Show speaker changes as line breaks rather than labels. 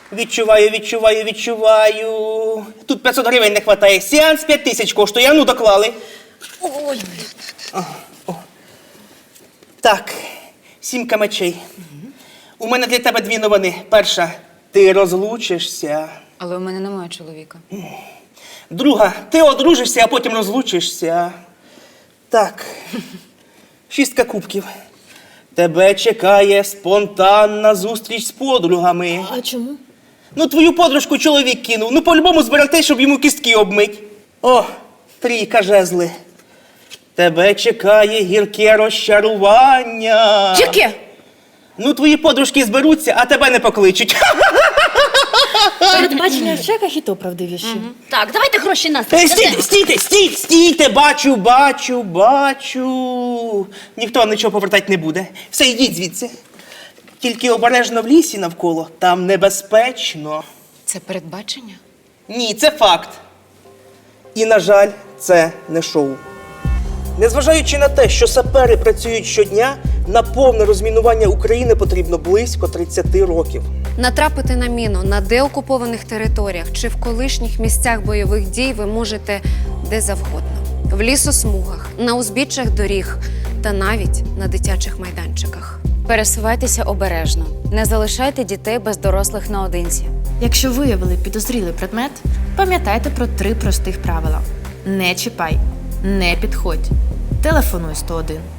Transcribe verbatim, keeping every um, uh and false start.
Відчуваю, відчуваю, відчуваю. Тут п'ятсот гривень не вистачає. Сеанс п'ять тисяч коштує. А ну, доклали.
Ой,
Так, сімка мечей. У мене для тебе дві новини. Перша, ти розлучишся.
але у мене немає чоловіка.
Друга, ти одружишся, а потім розлучишся. Так, шістка кубків. Тебе чекає спонтанна зустріч з подругами.
А чому?
Ну, твою подружку чоловік кинув. Ну, по-любому збирати, щоб йому кістки обмить. О, трійка жезли. Тебе чекає гірке розчарування.
Яке?
Ну, твої подружки зберуться, а тебе не покличуть.
Передбачення в чеках і то правдивіші.
Так, давайте гроші нас.
Е, Стійте, стійте, стійте, стійте, бачу, бачу, бачу. Ніхто вам нічого повертати не буде. Все, йдіть звідси. Тільки обережно в лісі навколо, там небезпечно.
Це передбачення?
Ні, це факт. І, на жаль, це не шоу. Незважаючи на те, що сапери працюють щодня, на повне розмінування України потрібно близько тридцять років.
Натрапити на міну на деокупованих територіях чи в колишніх місцях бойових дій ви можете де завгодно. В лісосмугах, на узбіччях доріг та навіть на дитячих майданчиках.
Пересувайтеся обережно. Не залишайте дітей без дорослих наодинці.
Якщо виявили підозрілий предмет, пам'ятайте про три простих правила. Не чіпай, не підходь, телефонуй сто один.